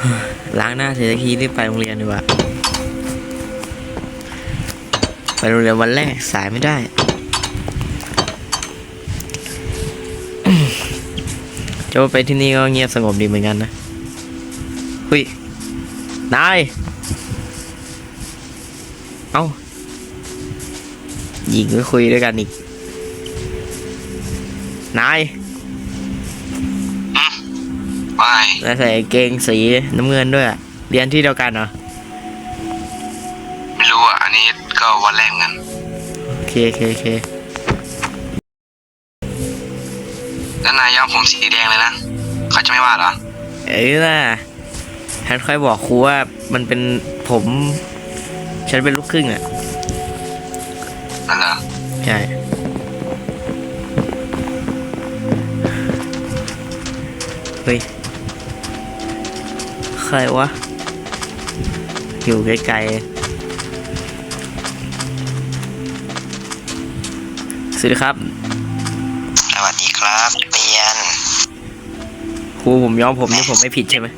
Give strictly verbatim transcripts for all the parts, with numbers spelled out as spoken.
ล้างหน้าเสร็จทีรีบไปโรงเรียนดีกว่าไปโรงเรียนวันแรกสายไม่ได้จะไปที่นี่ก็เงียบสงบดีเหมือนกันนะเฮ้ยนายเอ้าหญิงก็คุยด้วยกันอีกนายไม่นายใส่เกงสีน้ำเงินด้วยเรียนที่เดียวกันเหรอไม่รู้อ่ะอันนี้ก็วันแรกงั้นโอเคโอเคโอเคแล้วนายย้อมผมสีแดงเลยนะเขาจะไม่ว่าเหรอเอ้ยล่ะฉันค่อยบอกครูว่ามันเป็นผมฉันเป็นลูกครึ่งอ่ะนั่นเหรอใช่เฮ้ยใครวะอยู่ไกลๆสวัสดีครับสวัสดีครับเรียนครูผมย้อมผมนี่ผมไม่ผิดใช่ไหม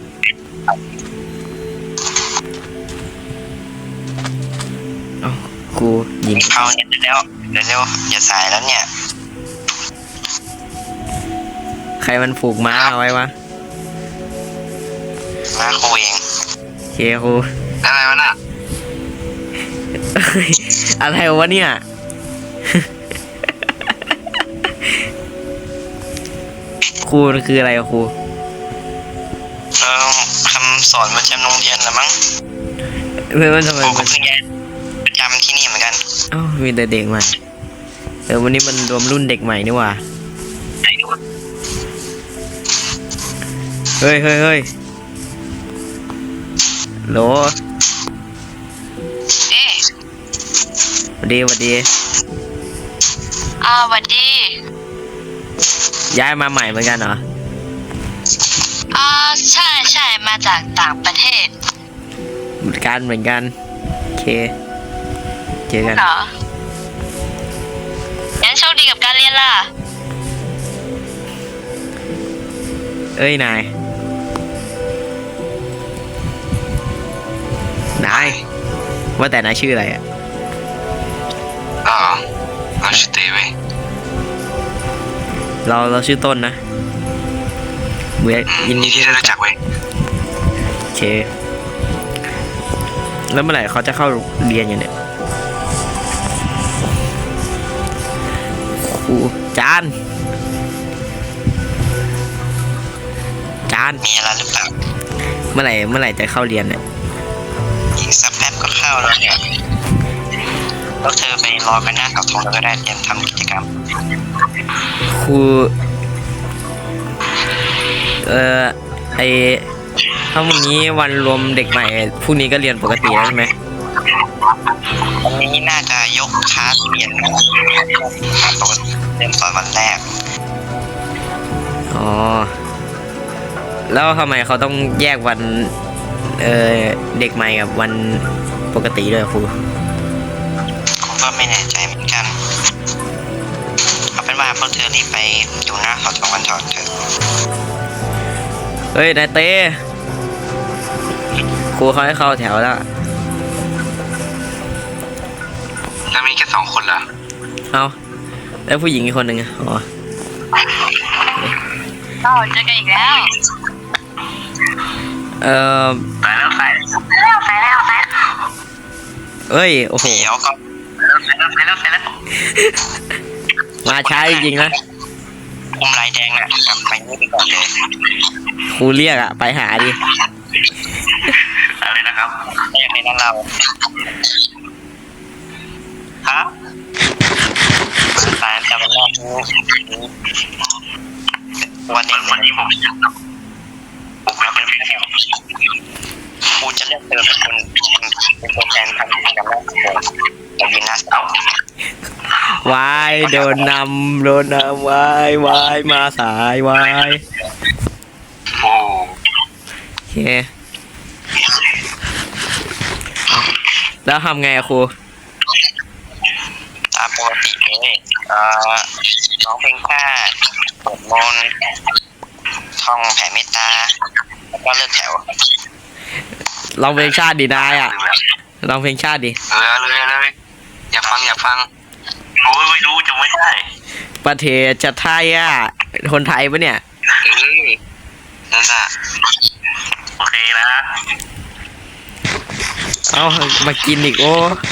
อ๋อครูหญิงเข้าเนี่ยเร็วเร็วอย่าสายแล้วเนี่ยใครมันผูกม้าเอาไว้วะม้าครูเองเคครูอะไรวะน่ะอะไรวะเนี่ยครูคืออะไรครูเออคำสอนประจำโรงเรียนเหรอมั้งเพื่อนทำไมผมก็เพิ่งย้ายประจำที่นี่เหมือนกันอ้าวมีแต่เด็กใหม่เออวันนี้มันรวมรุ่นเด็กใหม่นี่หว่าเฮ้ยเฮ้ยเฮ้ยโหลเอ๊ะสวัสดีสวัสดีอ่าสวัสดีย้ายมาใหม่เหมือนกันเหรออ่าใช่ใช่มาจากต่างประเทศเหมือนกันเหมือนกันโอเคเจอกันเหรองั้นโชคดีกับการเรียนล่ะเอ้ยนายนายว่าแต่นายชื่ออะไรอ่ะอ๋อเราชื่อเต้เว้ยเราเราชื่อต้นนะเมื่อยินดีที่ได้รู้จักเว้ยโอเคแล้วเมื่อไหร่เขาจะเข้าเรียนอยู่เนี่ยครูจานจานมีอะไรหรือเปล่าเมื่อไหร่เมื่อไหร่จะเข้าเรียนเนี่ยอีกสักแป๊บก็เข้าแล้วเนี่ยแล้วเธอไปรอกันหน้าเสาธงแล้วก็ได้เตรียมทำกิจกรรมครูเอ่อไอถ้าวันนี้วันรวมเด็กใหม่พรุ่งนี้ก็เรียนปกติแล้วใช่ไหมวันนี้น่าจะยกคลาสเรียนนะปกติเรียนตอนวันแรกอ๋อแล้วทำไมเขาต้องแยกวันเอ่อเด็กใหม่กับวันปกติด้วยครูผมก็ไม่แน่ใจเหมือนกันเอาเป็นว่าพวกเธอรีบไปอยู่หน้าเสาธงกันเถอะเถอะเฮ้ยนายเต้ครูเขาให้เข้าแถวแล้วแล้วมีแค่สองคนเหรอเอาแล้วผู้หญิงอีกคนหนึ่งอ๋อก็เจอกันอีกแล้วเอ่อไปแล้วไปแล้วไปแล้วไปแล้วเอ้ยโอ้โหเดี๋ยวก็ไปแล้วไปแล้วไปแล้วมาช้าจริงๆนะคุมลายแดงน่ะกลับไปนี่ไปก่อนเลยครูเรียกอะไปหาดิอะไรนะครับไม่อยากให้นั่นเราฮะสายจำวันแรกวันเด็กวันนี้ผมจะผมจะเป็นพี่แถวครูจะเลือกเธอเป็นคนเป็นตัวแทนทำกิจกรรมแรกของผมยืนหน้าเสาวายโดนนำโดนนำวายวายมาสายวายโอ้โอเคแล้วทำไงอะครูตามปกติเลยเอ่อน้องเพลงชาติสวดมนต์ท่องแผ่เมตตาแล้วก็เลิกแถวลองเพลงชาติดินายอ่ะลองเพลงชาติดิเออเลยเลยอยากฟังอยากฟังโอ้ยไม่รู้จะไม่ได้ประเทศจะไทยอ่ะคนไทยปะเนี่ยเออนั่นน่ะโอเคนะเอามากินอีกโอ้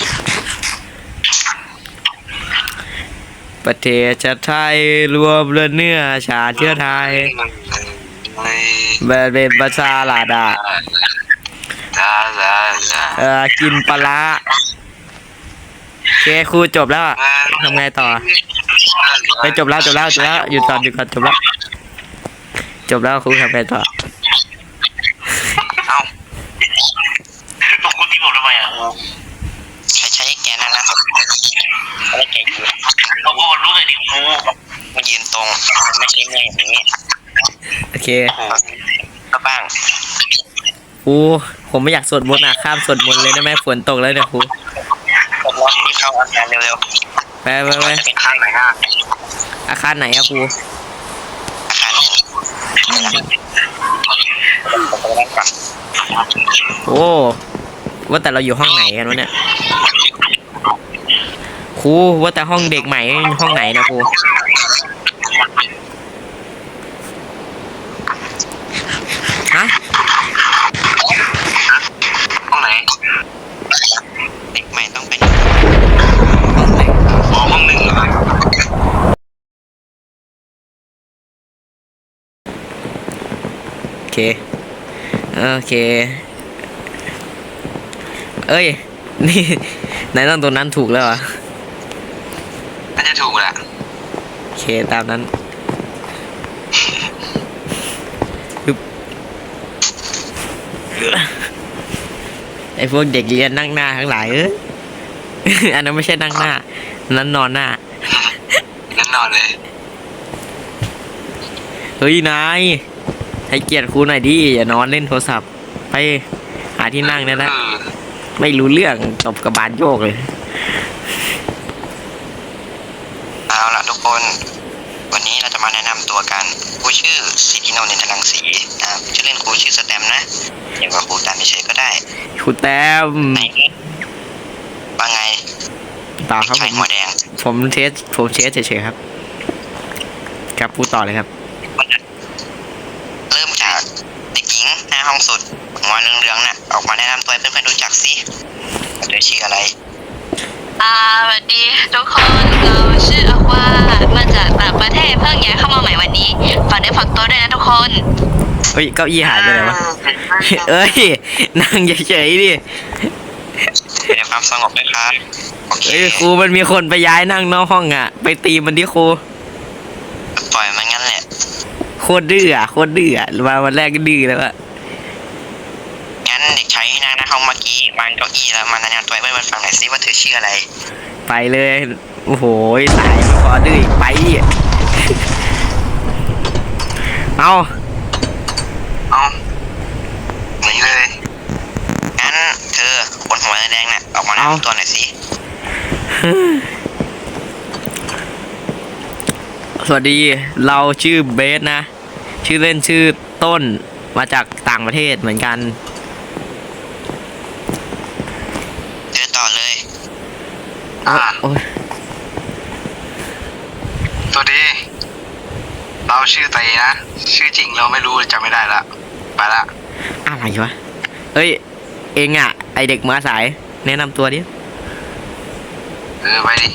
ประเทศจะไทยรวมเลือดเนื้อชาติเชื้อไทยแบบเป็นภาษาลาดาจ้าจ้าจ้าเออกินปลาร้าโอเคครูจบแล้วอะทำไงต่อไปจบแล้วจบแล้วจบแล้วหยุดก่อนหยุดก่อนจบแล้วจบแล้วครูทำไงต่อเอ้าตกคุณที่ผมทำไมอ่ะใช้ใช้แกนั่นนะอะไรแกยืนเราพูดรู้เลยดิครูมันยืนตรงไม่ใช่แม่อย่างนี้โอเคโอ้โหก็บ้างครูผมไม่อยากสวดมนต์อ่ะข้ามสวดมนต์เลยได้ไหมฝนตกแล้วเนี่ยครูผมว่าที่เข้าอาการเร็วไปไปๆไปจะเป็นข้างไหนอ่ะอาคารไหนอะครูอาคารหนึ่งผมไปนั่งก่อนโอ้ว่าแต่เราอยู่ห้องไหนกันวะเนี่ยครูว่าแต่ห้องเด็กใหม่ห้องไหนนะครูฮะห้องไหนเด็กใหม่ต้องเป็นอ๋อห้องหนึ่งเหรอโอเคโอเคเอ้ยนี่นายต้องตัวนั้นถูกแล้วเหรอน่าจะถูกแหละโอเคตามนั้นปึ๊บไอพวกเด็กเรียนนั่งหน้าทั้งหลายเอ้ย อันนั้นไม่ใช่นั่งหน้าอันนั้นนอนหน้านั่นนอนเลยเฮ้ยนายให้เกียรติครูหน่อยดิอย่านอนเล่นโทรศัพท์ไปหาที่นั่งได้แล้วเออไม่รู้เรื่องตบกระบาลโยกเลยเอาละทุกคน วันนี้เราจะมาแนะนำตัวกันครูชื่อสิทธินนท์ อินทรังสีนะชื่อเล่นครูชื่อสแตมนะเรียกว่าครูตามเฉยๆก็ได้ครูแต้มไหนว่าไงต่อครับผชายมหัวแดงผมเทสผมเทสเฉยๆครับครับพูดต่อเลยครับเริ่มจากเด็กหญิงหน้าห้องสุดหัวเหลืองๆน่ะออกมาแนะนำตัวให้เพื่อนๆรู้จักสิเธอชื่ออะไรอ่าสวัสดีทุกคนเราชื่ออาวามาจากต่างประเทศเพิ่งย้ายเข้ามาใหม่วันนี้ฝากเนื้อฝากตัวด้วยนะทุกคนเฮ้ยเก้าอี้หายไปไหนวะ เอ้ยนั่งเฉยๆดิเป็นความสงบนะครับโอเคเฮ้ยครูมันมีคนไปย้ายนั่งนอกห้องอ่ะ ไปตีมันดิครูปล่อยมันงั้นแหละโคตรดื้ออ่ะโคตรดื้ออ่ะมาวันแรกก็ดื้อแล้วอ่ะงั้นเด็กชายที่นั่งหน้าห้องเมื่อกี้วางเก้าอี้แล้วมาแนะนำตัวให้เพื่อนๆฟังหน่อยสิว่าเธอชื่ออะไรไปเลยโอ้โหสายไม่พอดื้ออีกไปดิเอาเอาหนีเลย งั้นเธอคนหัวแดงๆน่ะออกมาแนะนำตัวหน่อยสิสวัสดีเราชื่อเบสนะ ชื่อเล่นชื่อต้นมาจากต่างประเทศเหมือนกันเธอต่อเลยโอ๊ยโอ้ยสวัสดี เราชื่อไตนะ ชื่อจริงเราไม่รู้จำไม่ได้ละ ไปละอะไรวะเอ้ยเองอ่ะไอเด็กมาสาย แนะนำตัวดิเออไปดิ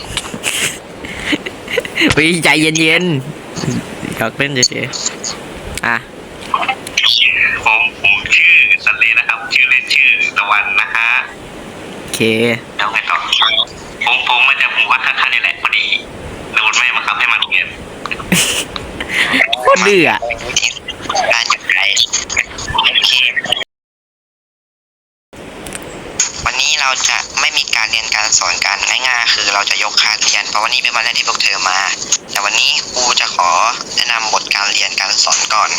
เฮ้ยใจเย็นๆอยากเล่นเฉยๆอ่ะผมผมชื่อสันเลนะครับ ชื่อเล่นชื่อตะวันนะฮะโอเคแล้วไงต่อผมผมมาจากหมู่บ้านข้างๆนี่แหละพอดีโดนแม่บังคับให้มาโรงเรียนโคตรดื้ออ่ะการอยู่ไกลโอเควันนี้เราจะไม่มีการเรียนการสอนกันง่ายๆคือเราจะยกคลาสเรียนเพราะวันนี้เป็นวันแรกที่พวกเธอมา แต่วันนี้ครูจะขอแนะนำบทการเรียนการสอนก่อน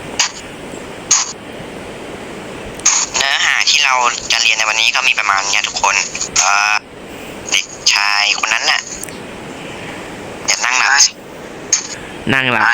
เนื้อหาที่เราจะเรียนในวันนี้ก็มีประมาณนี้ทุกคนเอ่อเด็กชายคนนั้นน่ะอย่านั่งหลับนั่งหลับ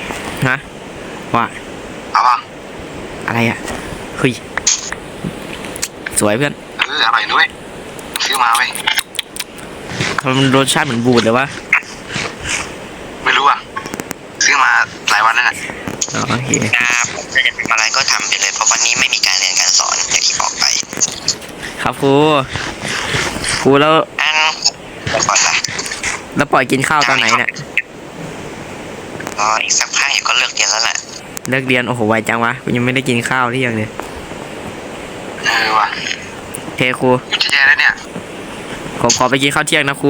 ฮะว่าเอาป่ะอะไรอ่ะเฮ้ยสวยเพื่อนเอออร่อยด้วยซื้อมาเว้ยทำไมมันรสชาติเหมือนบูดเลยวะไม่รู้อ่ะซื้อมาหลายวันแล้วน่ะอ๋อโอเคครับจะทำอะไรก็ทำไปเลยเพราะวันนี้ไม่มีการเรียนการสอนอย่างที่บอกไปครับครูครูแล้วอันไปก่อนละแล้วปล่อยกินข้าวตอนไหนเนี่ยรออีกสักพักเดี๋ยวก็เลิกเรียนแล้วแหละเลิกเรียนโอ้โหไวจังวะกูยังไม่ได้กินข้าวที่ยังเลยเออว่ะโอเคครูอยู่จะแย่แล้วเนี่ยผมขอไปกินข้าวเที่ยงนะครู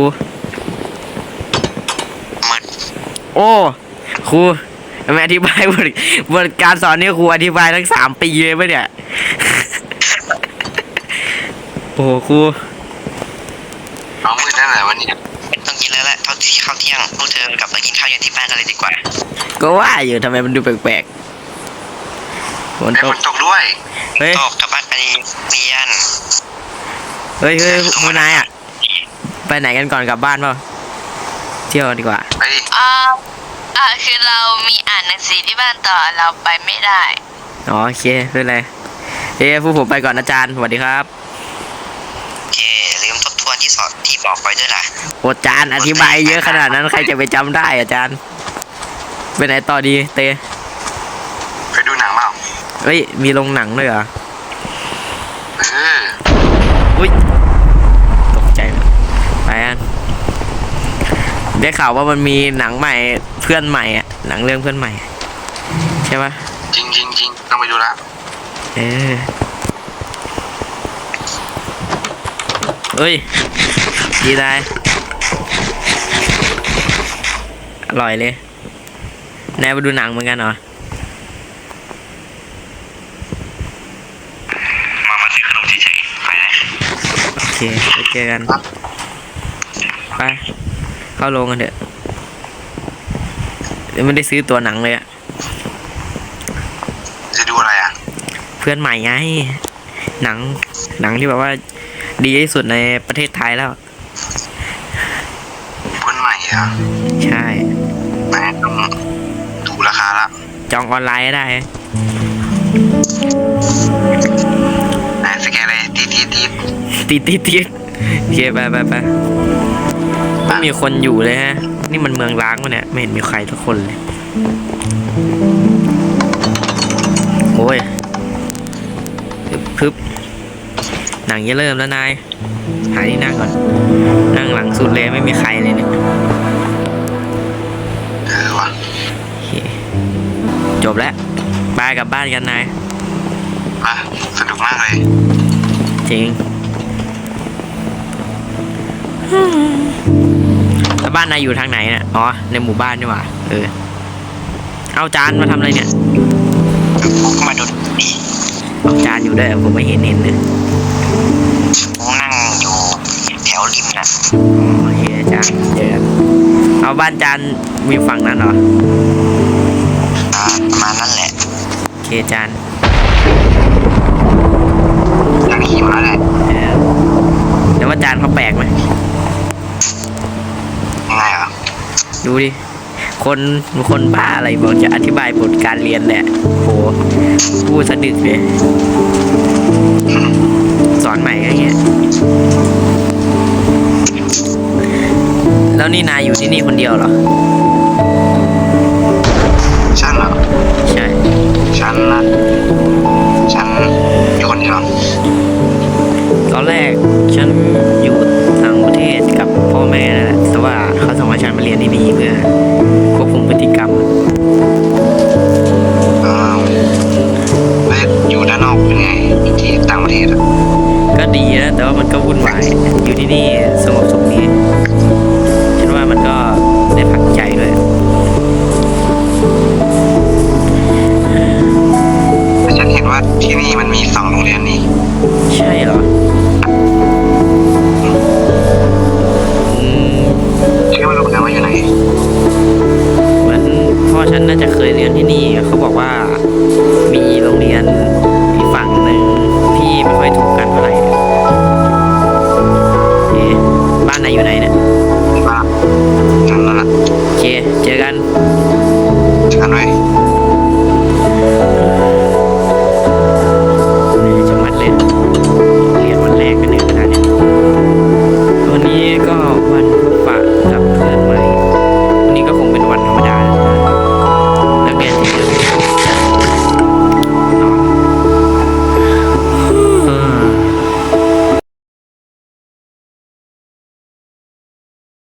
มึนโอ้ครูทำไมอธิบายบทบทการสอนนี่ครูอธิบายทั้งสามปีเลยปะเนี่ย โอ้โหครูน้องมืดนั่นแหละวันนี้ต้องกินแล้วแหละเท่าที่ข้าวเที่ยงพวกเธอกลับมากินข้าวเย็นที่บ้านกันเลยดีกว่าก็ว่าอยู่ทำไมมันดูแปลกๆฝนไอ้ตฝกนตกด้วยเฮ้ยตกกลับบ้านไปเรียนเฮ้ยเฮ้ยมูนายอ่ะไปไหนกันก่อนกลับบ้านเปล่าเที่ยวดีกว่าไปดิอ่าอ่าคือเรามีอ่านหนังสือที่บ้านต่อเราไปไม่ได้อ๋อโอเคไม่เป็นไรเฮ้ยผู้ผมไปก่อนอาจารย์สวัสดีครับโอเคลืมทบทวนที่สอนที่บอกไปด้วยล่ะโอ้อาจารย์อธิบายเยอะขนาดนั้นใครจะไปจำได้อาจารย์ไปไหนต่อดีเตไปดูหนังเปล่าเฮ้ยมีโรงหนังด้วยเหรอเอออุ้ยตกใจเลยไปอันได้ข่าวว่ามันมีหนังใหม่เพื่อนใหม่อ่ะหนังเรื่องเพื่อนใหม่ใช่ปะจริงจริงจริงต้องไปดูละเออเอ้ยดีได้อร่อยเลยนายไปดูหนังเหมือนกันเหรอมามาซื้อขนมเฉยๆไปเลยโอเคไปเจอกันไปเข้าโรงกันเถอะเดี๋ยวไม่ได้ซื้อตัวหนังเลยอะจะดูอะไรอ่ะเพื่อนใหม่ไงหนังหนังที่แบบว่าดีที่สุดในประเทศไทยแล้วเพื่อนใหม่อ่ะใช่แม่ต้องดูราคาละจองออนไลน์ได้ไหนสแกนเลยตีตีตีติดติดติดโอเคไปไปไปไม่มีคนอยู่เลยฮะ นี่มันเมืองร้างวะเนี่ยไม่เห็นมีใครทุกคนเลยโอ้ยพึบพึบหนังจะเริ่มแล้วนายหาที่นั่งก่อนนั่งหลังสุดเลยไม่มีใครเลยเนี่ยเออว่ะโอเคจบแล้วบายกลับบ้านกันนายมาสนุกมากเลยจริงแล้วบ้านนายอยู่ทางไหนเนี่ยอ๋อในหมู่บ้านนี่หว่าเออเอาจานมาทำอะไรเนี่ยผมก็มาดูดีเอาจานอยู่ด้วยผมไม่เห็นเห็นเลยผมนั่งอยู่แถวริมน่ะโอเคจานเจอกันเอาบ้านจานมีฝั่งนั้นเหรออ่าประมาณนั้นแหละโอเคจานอยากขี่มาแล้วแหละเออแล้วว่าจานเขาแปลกไหมยังไงอ่ะดูดิคนคนบ้าอะไรบอกจะอธิบายบทการเรียนแหละโหพูดสะดึกเลยสอนใหม่ก็อย่างเงี้ยแล้วนี่นายอยู่ที่นี่คนเดียวเหรอฉันเหรอใช่ฉันนะฉันอยู่คนเดียวตอนแรกฉันอยู่ต่างประเทศกับพ่อแม่นั่นแหละแต่ว่าเขาส่งให้ฉันมาเรียนที่นี่เพื่อควบคุมพฤติกรรมอ้าวแล้วอยู่ด้านนอกเป็นไงที่ต่างประเทศอ่ะก็ดีนะแต่ว่ามันก็วุ่นวายอยู่ที่นี่สงบสุขดีฉันว่ามันก็ได้พักใจด้วยแต่ฉันเห็นว่าที่นี่มันมีสองโรงเรียนนี่ใช่เหรออืมชื่อไม่รู้นะว่าอยู่ไหนเหมือนพ่อฉันน่าจะเคยเรียนที่นี่เขาบอกว่ามีโรงเรียนอีกฝั่งหนึ่งที่ไม่ค่อยถูกกันเท่าไหร่โอเคบ้านนายอยู่ไหนเนี่ยว่าฉันนั่นแหละโอเคเจอกันฉันด้วยโ